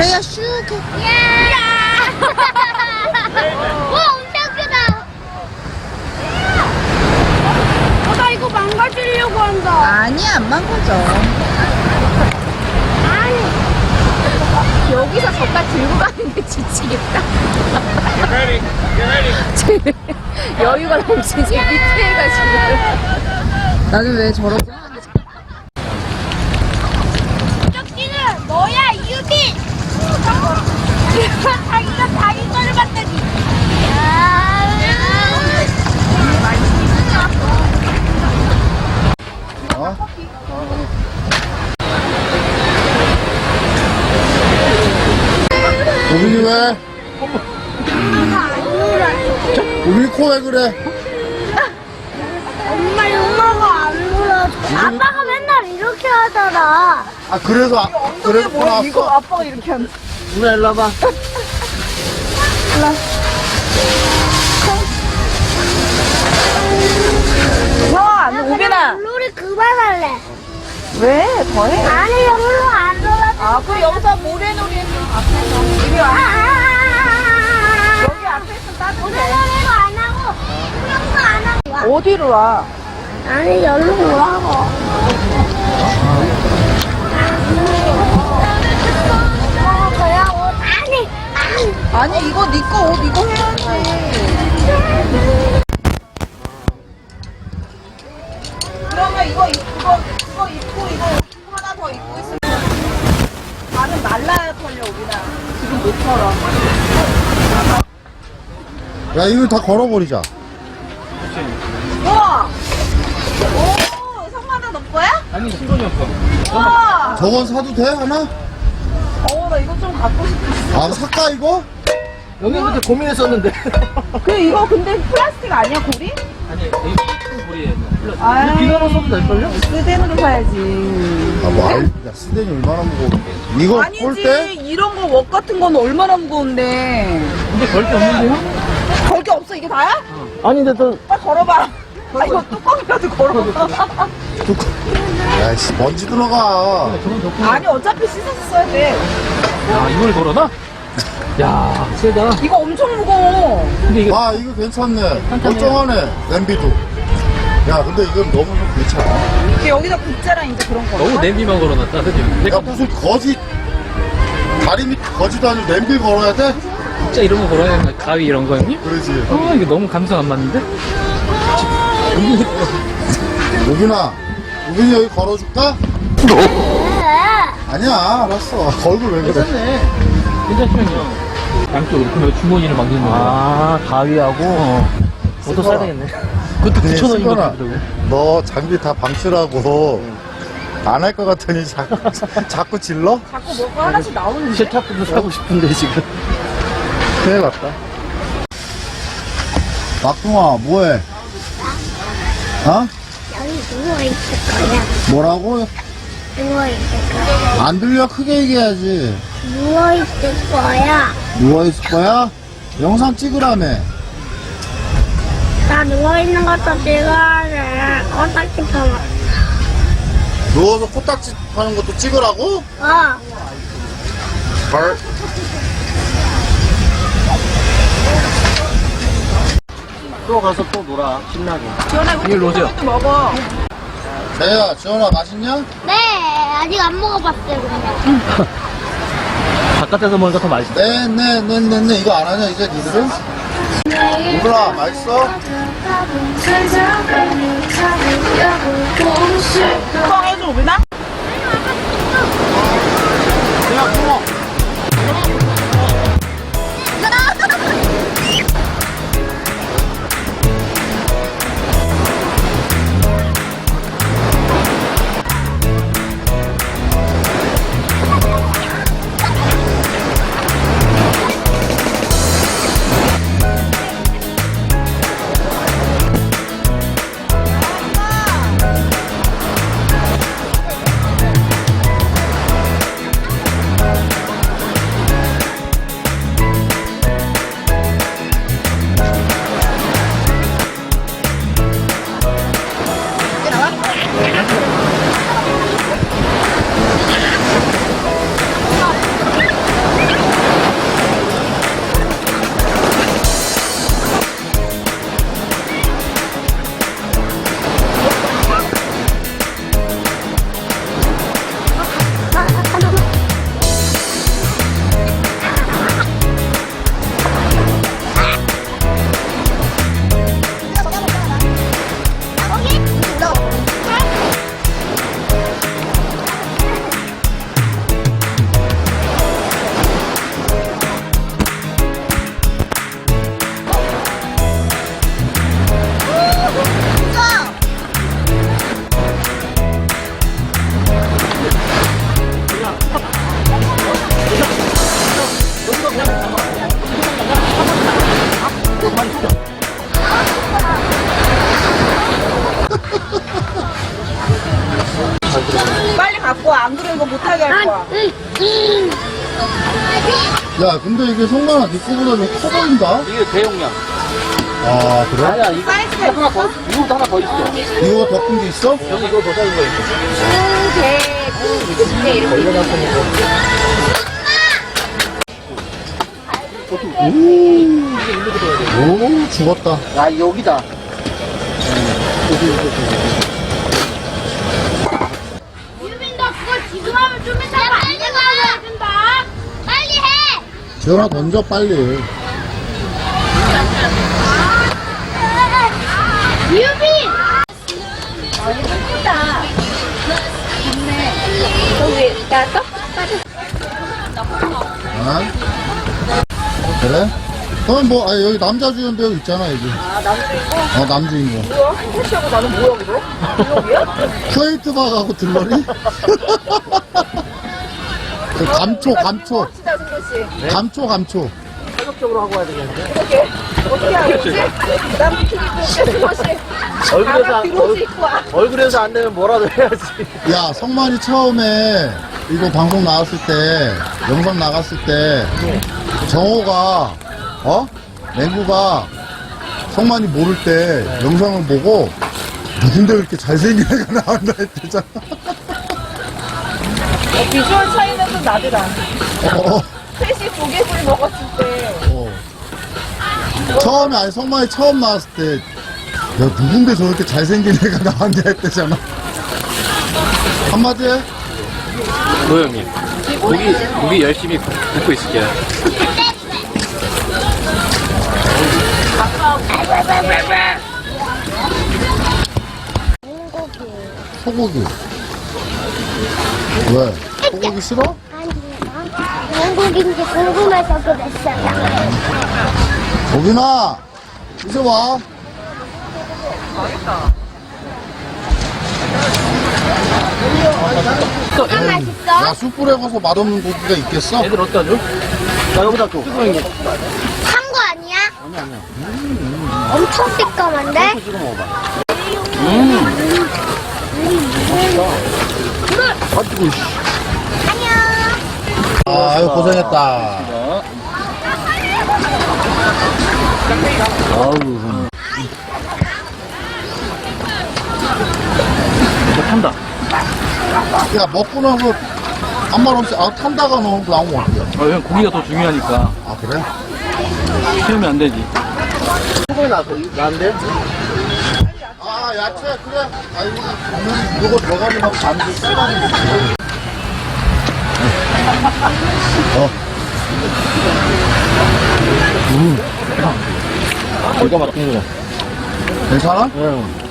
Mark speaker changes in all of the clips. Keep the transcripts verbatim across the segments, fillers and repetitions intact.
Speaker 1: 저희가 슉 해.
Speaker 2: 야! 와, 엄청 크다. 어, 나 이거 망가지려고 한다.
Speaker 1: 아니, 안 망가져.
Speaker 2: 아니.
Speaker 1: 여기서 저까 들고 가는 게 지치겠다.
Speaker 3: Get ready. Get ready.
Speaker 1: 여유가 넘치지. 밑에 해가지고. 나는 왜 저러고 하는지.
Speaker 2: 저기는 너야, 유빈. 자기가 자기 거를 봤더니.
Speaker 4: 어? 우빈이 왜? 우빈이 코 왜 그래?
Speaker 2: 엄마, 엄마가 안 놀아줘. 아빠가 맨날 이렇게 하잖아.
Speaker 4: 아 그래서 아, 그래서 코 나왔어?
Speaker 1: 아빠가 이렇게 하는.
Speaker 4: 누나 일로 와봐.
Speaker 1: 형, 우빈아.
Speaker 2: 놀이 그만할래.
Speaker 1: 왜? 더해?
Speaker 2: 아니, 영로 안 놀아줘.
Speaker 1: 아, 그럼 여기서 모래놀이 해서 앞에서. 이리
Speaker 2: 아,
Speaker 1: 와.
Speaker 2: 아, 아,
Speaker 1: 여기 앞에 있으면 따뜻해.
Speaker 2: 모래놀이도 안 하고, 수영도 안 하고.
Speaker 1: 어디로 와?
Speaker 2: 아니, 여기로 오라고. 어, 그냥 옷. 아니, 아니.
Speaker 1: 아니, 이거 네 거 옷 이거 해야지. 그러면 이거, 입- 이거, 그거 입고, 이거 하나 더 입고 있으면 발은 말라야 털려, 우빈아. 지금 못 털어.
Speaker 4: 야 이거 다 걸어버리자.
Speaker 1: 우와! 오, 성만아, 너 거야?
Speaker 3: 아니, 신동이 없어.
Speaker 1: 우와!
Speaker 4: 저건 사도 돼 하나?
Speaker 1: 어, 나 이거 좀 갖고 싶어.
Speaker 4: 아 살까 이거?
Speaker 3: 여기 그때 고민했었는데.
Speaker 1: 그, 이거 근데 플라스틱 아니야, 고리?
Speaker 3: 아니, 이거 큰 볼이에요.
Speaker 1: 아이.
Speaker 3: 비나로 써도 될걸요?
Speaker 1: 스덴으로 사야지.
Speaker 4: 아뭐 알, 야 스댄이 얼마나 무거운데? 이거 볼
Speaker 1: 아니지,
Speaker 4: 때?
Speaker 1: 이런 거 웍 같은 건 얼마나 무거운데.
Speaker 3: 근데 걸 게 없는데요?
Speaker 1: 걸 게 없어, 이게 다야?
Speaker 3: 아니, 근데 또.
Speaker 1: 빨리 걸어봐. 아, 이거 뚜껑이라도 걸어봐.
Speaker 4: 야씨 먼지 들어가.
Speaker 3: 저건 덕분.
Speaker 1: 아니, 어차피 씻어서 써야 돼.
Speaker 3: 야, 이걸 걸어놔? 야, 세다.
Speaker 1: 이거 엄청 무거워.
Speaker 3: 근데 이거.
Speaker 4: 아 이거 괜찮네. 멀쩡하네. 냄비도. 야 근데 이건 너무 좀 괜찮아.
Speaker 1: 이게 여기다 굽자랑 이제 그런 거.
Speaker 3: 너무 냄비만 걸어놨다, 그지?
Speaker 4: 야 무슨 거지 다리 밑 거지도 아니고 냄비 걸어야 돼?
Speaker 3: 진짜 이런 거 걸어야 되나? 가위 이런 거, 형님?
Speaker 4: 그러지.
Speaker 3: 아, 이게 너무 감성 안 맞는데?
Speaker 4: 우빈아 우빈이 여기 걸어줄까? 아니야 알았어. 얼굴 왜 그래?
Speaker 3: 괜찮네. 괜찮죠, 양쪽으로. 그러면 주머니를 막는 거야. 아, 가위하고? 어. 옷도 싸야 되겠네. 그것도
Speaker 4: 네,
Speaker 3: 구천 원인 것
Speaker 4: 승관아,
Speaker 3: 같더라고.
Speaker 4: 너 장비 다 방치라고 안 할 것 같더니 자꾸, 자꾸 질러?
Speaker 1: 자꾸 뭐가 하나씩 나오는데.
Speaker 3: 세탁기도 사고 싶은데, 지금.
Speaker 4: 큰일 났다. 막둥아 뭐해? 어?
Speaker 2: 여기 누워있을 거야.
Speaker 4: 뭐라고?
Speaker 2: 누워있을 거야.
Speaker 4: 안 들려 크게 얘기해야지.
Speaker 2: 누워있을 거야.
Speaker 4: 누워있을 거야? 영상 찍으라며.
Speaker 2: 나 누워있는 것도 찍어야 돼. 어떻게 펴면.
Speaker 4: 누워서 코딱지 하는 것도 찍으라고?
Speaker 2: 어.
Speaker 4: 헐.
Speaker 3: 또 가서 또 놀아, 신나게.
Speaker 1: 지원아, 이거
Speaker 3: 이리로 오세요.
Speaker 1: 또 먹어.
Speaker 4: 재야, 지원아 맛있냐?
Speaker 2: 네, 아직 안 먹어봤어요, 근데.
Speaker 3: 바깥에서 먹으니까 더 맛있다.
Speaker 4: 네, 네, 네, 네, 네. 이거 안 하냐, 이제 니들은? 이거라, 맛있어?
Speaker 1: 뚜껑 해줘, 우빈아?
Speaker 4: 그냥 구워.
Speaker 1: 편하게 할 거야.
Speaker 4: 야, 근데 이게 성만아, 네 거보다 좀 커 보인다?
Speaker 3: 이게 대용량.
Speaker 4: 아, 그래?
Speaker 3: 아니야, 이거
Speaker 1: 사이즈가
Speaker 3: 하나 더, 이거보다 하나 더 있어.
Speaker 4: 이거 더 큰 게 있어?
Speaker 3: 여기 이거 더 작은 거 있어.
Speaker 1: 개, 구, 십 개 이렇게.
Speaker 4: 오, 죽었다.
Speaker 3: 야, 여기다.
Speaker 2: 유빈 너 그거 지금 하면 좀 이따가 안 된다고 해준다. 빨리 해.
Speaker 4: 지원아, 던져, 빨리.
Speaker 2: 유빈.
Speaker 1: 아, 이거 크다. 좋네. 저기, 나 떡?
Speaker 4: 아? 그래? 그럼 뭐, 아, 여기 남자 주연 배우 있잖아, 여기.
Speaker 1: 아, 남주인공?
Speaker 4: 어, 남주인공.
Speaker 1: 뭐야? 한태치하고 나는 뭐야, 그거? 블록이야?
Speaker 4: 쿠웨이트 박하고 들러리? 그 감초, 감초.
Speaker 1: 멋지다, 승도씨.
Speaker 4: 감초, 감초.
Speaker 3: 가격적으로 하고 와야 되겠는데.
Speaker 1: 이렇게. 어떻게 하고 있지? 남 튀기고, 승도씨.
Speaker 3: 얼굴에서,
Speaker 1: 가방
Speaker 3: 안-
Speaker 1: 뒤로
Speaker 3: 얼,
Speaker 1: 씻고 와.
Speaker 3: 얼굴에서 안 되면 뭐라도 해야지.
Speaker 4: 야, 성만이 처음에 이거 방송 나왔을 때, 영상 나갔을 때, 정호가, 어? 맹구가 성만이 모를 때 영상을 보고, 누군데 이렇게 잘생긴 애가 나온다 했대잖아.
Speaker 1: 어, 비주얼 차이는 좀 나더라.
Speaker 4: 어, 어,
Speaker 1: 셋이 조개구이 먹었을 때.
Speaker 4: 어. 처음에, 아니, 성만이 처음 나왔을 때, 야, 누군데 저렇게 잘생긴 애가 나왔냐 했대잖아. 한마디 해?
Speaker 5: 도영님, 고기, 고기 열심히 굽고 있을게요.
Speaker 4: 소고기. 왜? 소고기 싫어?
Speaker 2: 아니요. 영국인지 궁금해서 그랬어요.
Speaker 4: 오빈아, 이제 와.
Speaker 2: 뭐가 맛있어?
Speaker 4: 야, 숯불에 가서 맛없는 고기가 있겠어?
Speaker 3: 애들 어디다 줘? 나 여기다 줘.
Speaker 2: 산 거 아니야? 아니 아니야. 엄청 새까만데?
Speaker 3: 찍어 먹어봐. 가지고, 씨.
Speaker 2: 안녕.
Speaker 4: 아유, 고생했다.
Speaker 3: 아우. 이거 탄다.
Speaker 4: 야, 먹고 나서 아무 말 없이, 아, 탄다가 너무 나오면 어떡해.
Speaker 3: 어, 형 고기가 더 중요하니까.
Speaker 4: 아, 그래?
Speaker 3: 키우면 안 되지. 소금이 나서, 나는데?
Speaker 4: 아, 야채, 그래. 아, 이거, 이거 들어가면 막 반지 쓰라는 거. 어.
Speaker 3: 이거 막힌 거야.
Speaker 4: 괜찮아?
Speaker 3: 응.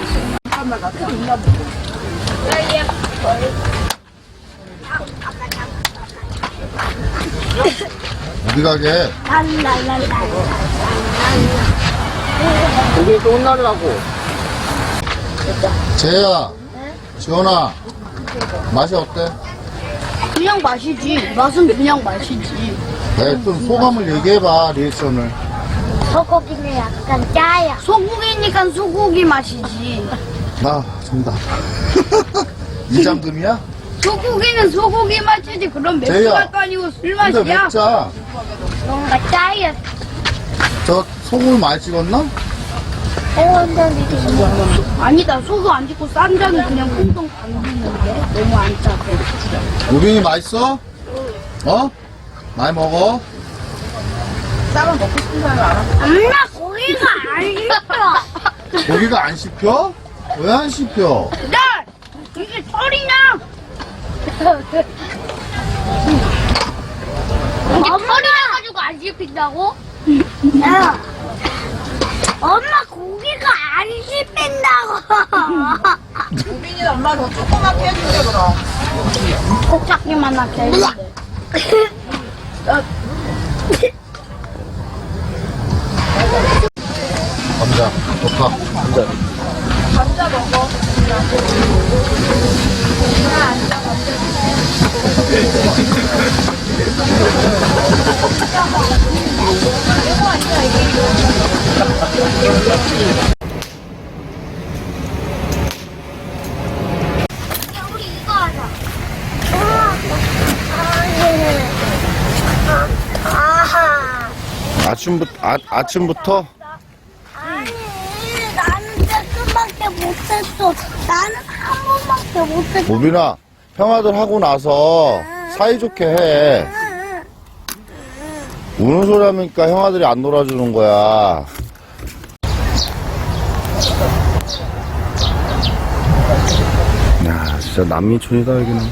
Speaker 4: 어디 가게?
Speaker 2: 랄랄랄라.
Speaker 3: 고기 또 혼나려고.
Speaker 4: 재야, 지원아, 맛이 어때?
Speaker 2: 그냥 마시지. 맛은 그냥 마시지.
Speaker 4: 네, 좀 소감을 얘기해봐, 리액션을.
Speaker 2: 소고기는 약간 짜요. 소고기니까 소고기 맛이지.
Speaker 4: 나, 정답. 이장금이야?
Speaker 2: 소고기는 소고기 맛이지. 그럼 맥주
Speaker 4: 제이야.
Speaker 2: 맛도 아니고 술
Speaker 4: 근데
Speaker 2: 맛이야.
Speaker 4: 맥자,
Speaker 2: 뭔가 짜요.
Speaker 4: 저 소금을 많이 찍었나?
Speaker 2: 아니다. 소금 안 찍고 쌈장이 그냥 콩콩 담기는데 너무 안 짜고.
Speaker 4: 우빈이 맛있어? 어? 많이 먹어?
Speaker 1: 쌈은 먹고 싶은 사람이 알아.
Speaker 2: 엄마 고기가 안 익어.
Speaker 4: 고기가 안 씹혀? 왜 안 씹혀?
Speaker 2: 야! 이게 털이냐? 이게 털이라 가지고 안 씹힌다고? 야! 엄마 고기가 안 씹힌다고.
Speaker 1: 우빈이 엄마 더 조그맣게 해줄게, 그럼.
Speaker 2: 꼭 잡기만 하게 했는데.
Speaker 4: 감자, 좋다.
Speaker 3: 감자.
Speaker 1: 감자 먹어.
Speaker 2: 우리 이거 하자.
Speaker 4: 아침부터, 아, 아침부터?
Speaker 2: 아니, 나는 조금밖에 못했어. 나는 한 번밖에 못했어.
Speaker 4: 모빈아, 형아들 하고 나서 사이좋게 해. 우는 소리 하니까 형아들이 안 놀아주는 거야. 야, 진짜 남미촌이다, 여기는.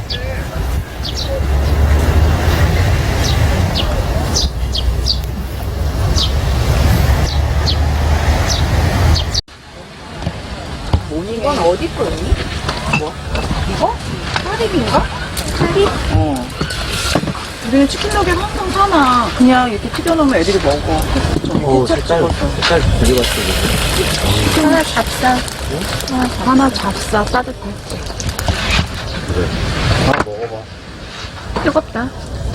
Speaker 1: 이건 어디 거니? 뭐? 이거? 사립인가? 사립? 어. 우리는 치킨 너겟 항상 사나. 그냥 이렇게 튀겨놓으면 애들이 먹어.
Speaker 3: 오, 색깔, 색깔 되게 맛있어.
Speaker 1: 하나 잡사. 하나 잡사. 따뜻해.
Speaker 4: 그래. 하나 먹어봐.
Speaker 1: 뜨겁다.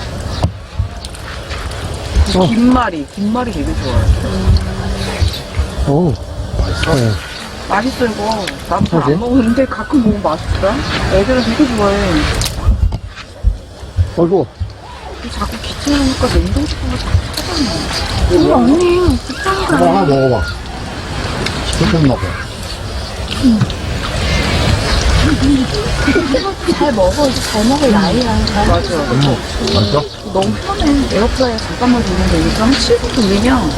Speaker 1: 김말이. 김말이 되게 좋아해.
Speaker 3: 오, 맛있어. 네.
Speaker 1: 맛있어, 이거. 나도 잘
Speaker 3: 그러지?
Speaker 1: 안 먹는데 가끔 먹으면 맛있더라. 애들은 되게 좋아해.
Speaker 3: 어이구.
Speaker 1: 자꾸 귀찮으니까 냉동식품을 자꾸 사잖아. 이거 언니, 귀찮아.
Speaker 4: 이거 하나 먹어봐. 조금 먹어.
Speaker 1: 잘 먹어. 이제 잘 먹을 나이야. 맞아.
Speaker 4: 맛있어?
Speaker 1: 너무 편해. 에어프라이어 잠깐만 돌리면 되니까 한 칠 분 돌리면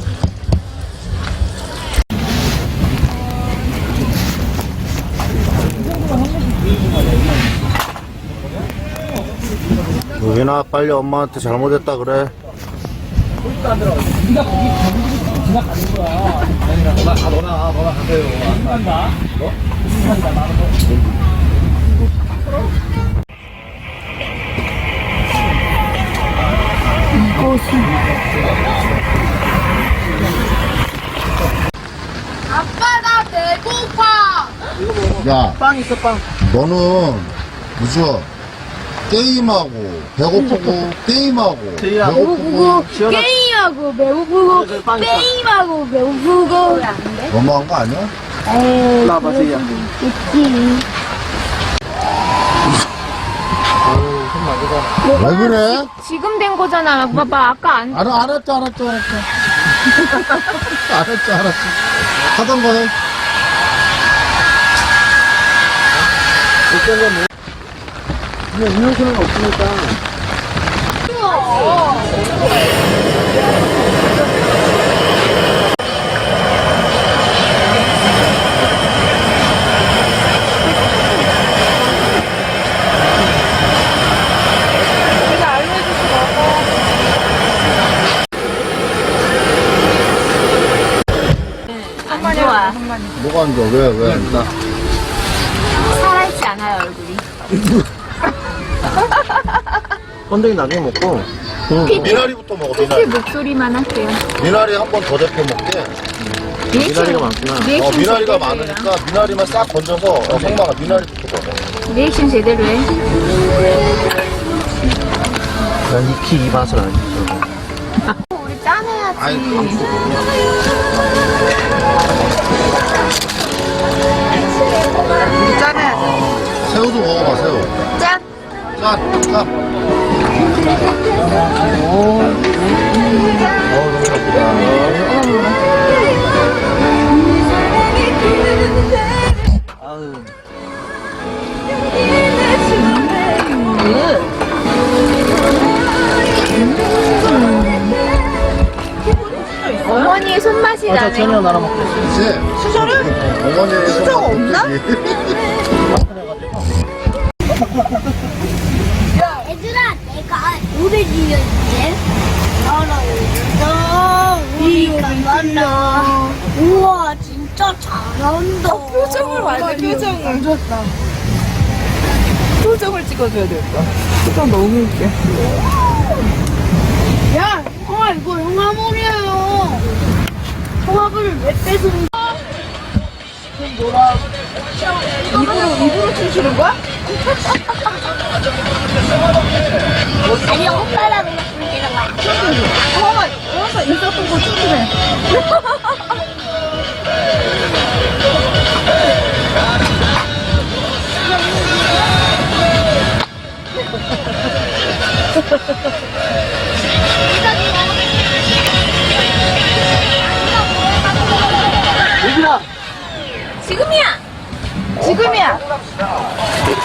Speaker 4: 여기나 빨리 엄마한테 잘못했다 그래.
Speaker 2: 아빠, 나 배고파.
Speaker 4: 야,
Speaker 3: 빵 있어, 빵.
Speaker 4: 너는 무슨 게임하고 배고프고 게임하고
Speaker 3: 제이야.
Speaker 4: 배고프고
Speaker 3: 시원하-
Speaker 2: 게임하고 배고프고,
Speaker 3: 그래, 빵 있다.
Speaker 2: 게임하고 배고프고.
Speaker 4: 너무한 거 아니야?
Speaker 2: 에이,
Speaker 3: 나봐, 제이야.
Speaker 2: 있지.
Speaker 3: 어우, 손 많이
Speaker 4: 왜 그래?
Speaker 2: 지금 된 거잖아. 봐봐, 아까 안.
Speaker 4: 알아, 알았죠, 알았죠, 알았죠. 알았죠, 알았죠. 하던 거 해.
Speaker 3: 그냥 음료수는 없으니까.
Speaker 2: 안 좋아.
Speaker 4: 뭐가 안 좋아? 왜, 왜 안 좋아?
Speaker 2: 살아있지 않아요, 얼굴이.
Speaker 3: 건더기 나중에 먹고.
Speaker 4: 미나리부터 먹어,
Speaker 2: 특히
Speaker 4: 미나리.
Speaker 2: 목소리만 할게요.
Speaker 4: 미나리 한 번 더 데펴 먹게.
Speaker 3: 미나리가 많구나.
Speaker 4: 어,
Speaker 2: 리액션
Speaker 4: 미나리가
Speaker 2: 제대로
Speaker 4: 많으니까 미나리만 싹 건져서, 어, 성망아, 미나리부터 먹어.
Speaker 2: 해요. 리액션 제대로 해.
Speaker 3: 난 익히 이 맛을 안 줘.
Speaker 2: 우리 짠해야지.
Speaker 4: 아이, 감수.
Speaker 1: 우리 짜내야지.
Speaker 4: 새우도 먹어봐, 새우.
Speaker 2: 짠.
Speaker 4: 짠, 짠.
Speaker 3: 어, 너무 좋다. 아유.
Speaker 2: 어머니의 손맛이
Speaker 3: 어, 저
Speaker 2: 나네.
Speaker 3: 전혀 나눠 먹고 있어.
Speaker 4: 그치?
Speaker 1: 수저를?
Speaker 4: 어머니의
Speaker 1: 수저가 없나?
Speaker 2: 얘들아, 내가 노래 지어줄게. 알아, 우리가 만나. 우와, 진짜 잘한다.
Speaker 1: 표정을 봐야 돼, 표정을. 표정을 찍어줘야 되겠다. 표정 너무 웃겨.
Speaker 2: 야, 형아, 이거 영화물이에요. 통합을 왜 뺏은
Speaker 1: 입으로, 입으로 춤추는 거야?
Speaker 2: 아니, 오빠랑 불리는 거야.
Speaker 1: 엄마, 엄마 인사 보고 춤추네.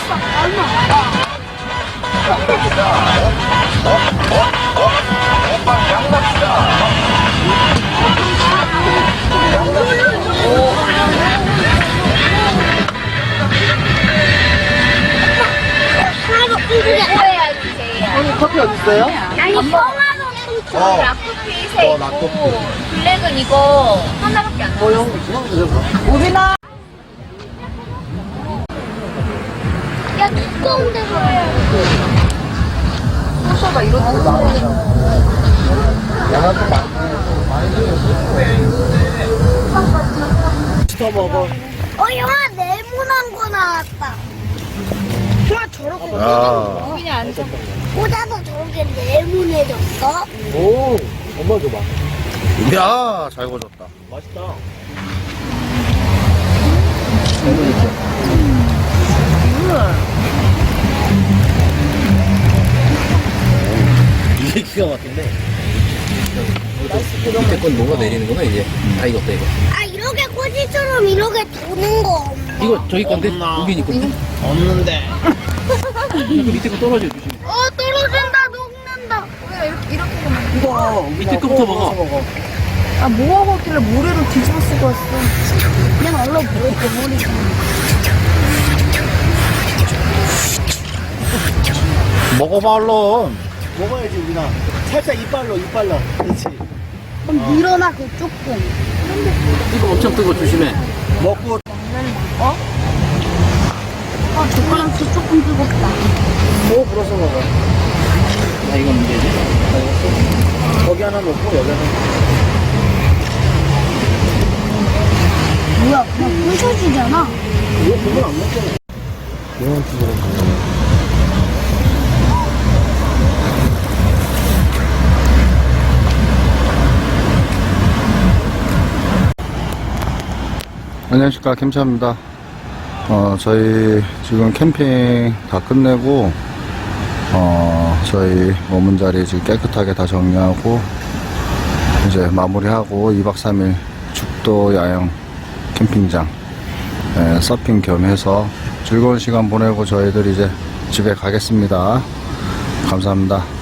Speaker 1: 오늘 커피 어디 있어요?
Speaker 2: 아니, 성화로 춤추
Speaker 4: 어.
Speaker 2: 라쿠피 세
Speaker 4: 어,
Speaker 2: 있고
Speaker 4: 라쿠피.
Speaker 2: 블랙은 이거 하나밖에 안 나와.
Speaker 1: 우빈아.
Speaker 2: 야, 두꺼운 데서 해야지.
Speaker 1: 소서가 이런 데서 나오잖아. 더 먹어.
Speaker 2: 어, 영화 네모난 거 나왔다. 와, 저렇게
Speaker 4: 야,
Speaker 2: 그냥 앉아. 꽂아서 저렇게 네모내졌어?
Speaker 3: 오, 엄마 줘봐.
Speaker 4: 야, 잘 구워졌다.
Speaker 3: 맛있다. 이게 기가 막힌데. 밑에 건 녹아내리는구나, 이제. 다 익었다, 이거.
Speaker 2: 아, 이렇게 꼬지처럼 이렇게 도는 거 없나?
Speaker 3: 이거 저기 건데? 우빈이 건데? 없는데. 그 밑에 거 떨어져, 조심.
Speaker 2: 어, 떨어진다, 녹는다.
Speaker 1: 이거
Speaker 3: 밑에 거부터 먹어.
Speaker 1: 아, 뭐하고 있길래 모래로 뒤집어 쓰고 왔어.
Speaker 2: 그냥 얼른 뭐, 머리
Speaker 4: 먹어봐, 얼른.
Speaker 3: 먹어야지, 우빈아. 살짝 이빨로, 이빨로. 그렇지.
Speaker 2: 그럼 밀어놔, 그 조금.
Speaker 3: 이거 엄청 뜨거, 조심해. 먹고.
Speaker 2: 아, 젓가락 조금 뜨겁다.
Speaker 3: 뭐 불어서 먹어. 아, 이건 문제지? 거기 하나 놓고, 여기 하나.
Speaker 2: 뭐야, 그냥 부셔지잖아.
Speaker 3: 이거 그건 안 먹잖아. 이런 식으로.
Speaker 4: 안녕하십니까, 캠차입니다. 어, 저희 지금 캠핑 다 끝내고, 어, 저희 머문 자리 지금 깨끗하게 다 정리하고, 이제 마무리하고 이박 삼일 죽도 야영 캠핑장, 예, 서핑 겸해서 즐거운 시간 보내고 저희들 이제 집에 가겠습니다. 감사합니다.